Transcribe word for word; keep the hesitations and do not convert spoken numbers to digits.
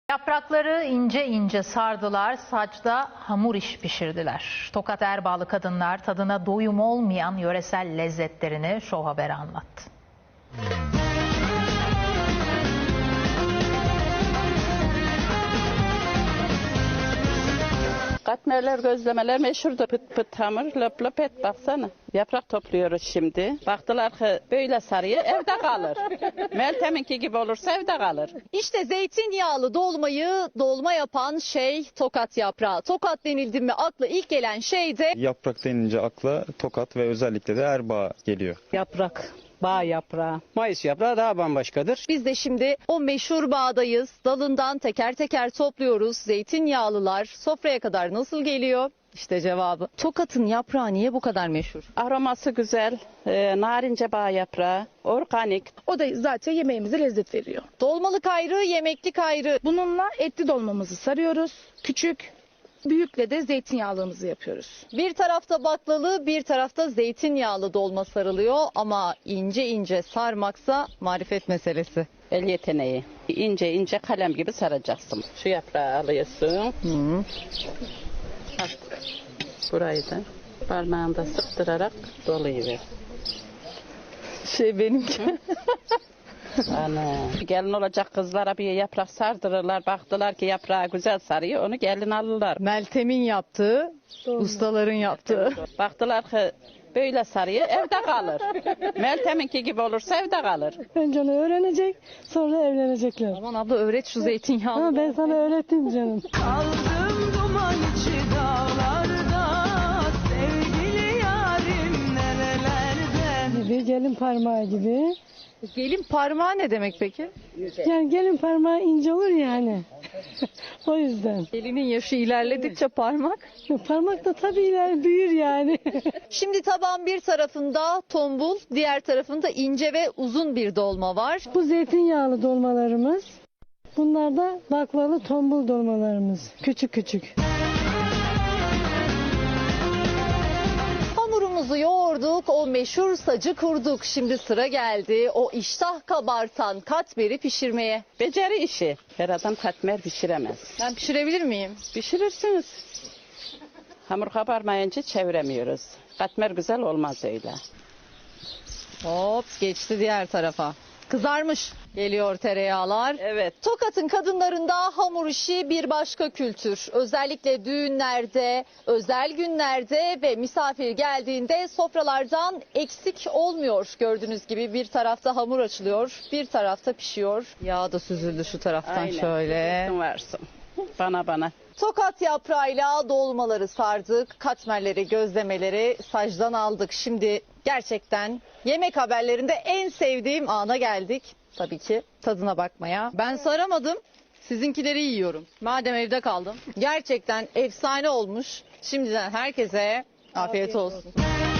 Yaprakları ince ince sardılar, saçta hamur iş pişirdiler. Tokat Erbağlı kadınlar tadına doyum olmayan yöresel lezzetlerini Show Haber'e anlattı. Katmerler, gözlemeler meşhurdur. Pıt pıt hamur, löp löp et, baksana. Yaprak topluyoruz şimdi. Baktılar ki böyle sarıyor, evde kalır. Meltem'inki gibi olursa evde kalır. İşte zeytinyağlı dolmayı dolma yapan şey tokat yaprağı. Tokat denildi mi akla ilk gelen şey de Yaprak denince akla Tokat ve özellikle de Erbaa geliyor. Yaprak, bağ yaprağı, mayıs yaprağı daha bambaşkadır. biz de şimdi o meşhur bağdayız. Dalından teker teker topluyoruz. Zeytinyağlılar sofraya kadar nasıl geliyor? İşte cevabı. Tokat'ın yaprağı niye bu kadar meşhur? Aroması güzel, e, narince bağ yaprağı, organik. O da zaten yemeğimize lezzet veriyor. Dolmalık ayrı, yemeklik ayrı. Bununla etli dolmamızı sarıyoruz. Küçük, büyükle de zeytinyağlımızı yapıyoruz. Bir tarafta baklalı, bir tarafta zeytinyağlı dolma sarılıyor ama ince ince sarmaksa marifet meselesi. El yeteneği. İnce ince kalem gibi saracaksın. Şu yaprağı alıyorsun. Hı. Bak, burayı da parmağında sıktırarak doluyuver. Şey benimki. Ana. Gelin olacak kızlara bir yaprak sardırırlar. Baktılar ki yaprağı güzel sarıyor. Onu gelin alırlar. Meltem'in yaptığı, ustaların yaptığı. Baktılar ki böyle sarıyor, evde kalır. Meltem'inki gibi olursa evde kalır. Önce onu öğrenecek, sonra evlenecekler. Aman abla öğret şu zeytinyağlı. Ha, ben sana öğrettim canım. Kaldım duman içi dağlarda, sevgili yarim nerelerde. Bir gelin parmağı gibi. Gelin parmağı ne demek peki? Yani gelin parmağı ince olur yani. O yüzden. Gelinin yaşı ilerledikçe parmak. Parmak da tabii iler büyür yani. Şimdi tabağın bir tarafında tombul, diğer tarafında ince ve uzun bir dolma var. Bu zeytinyağlı dolmalarımız. Bunlar da baklalı tombul dolmalarımız. Küçük küçük. Hamurumuzu yoğurduk, o meşhur sacı kurduk. Şimdi sıra geldi o iştah kabartan katmeri pişirmeye. Beceri işi. Her adam katmer pişiremez. Ben pişirebilir miyim? Pişirirsiniz. Hamur kabarmayınca çeviremiyoruz. Katmer güzel olmaz öyle. Hop geçti diğer tarafa. Kızarmış. Geliyor tereyağlar. Evet. Tokat'ın kadınlarında hamur işi bir başka kültür. Özellikle düğünlerde, özel günlerde ve misafir geldiğinde sofralardan eksik olmuyor. Gördüğünüz gibi bir tarafta hamur açılıyor, bir tarafta pişiyor. Yağ da süzüldü şu taraftan Aynen. şöyle. Varsın varsın. Bana bana. Tokat yaprağıyla dolmaları sardık, katmerleri, gözlemeleri sacdan aldık. Şimdi gerçekten yemek haberlerinde en sevdiğim ana geldik. Tabii ki tadına bakmaya. Ben saramadım, sizinkileri yiyorum. Madem evde kaldım. Gerçekten efsane olmuş. Şimdiden herkese afiyet olsun.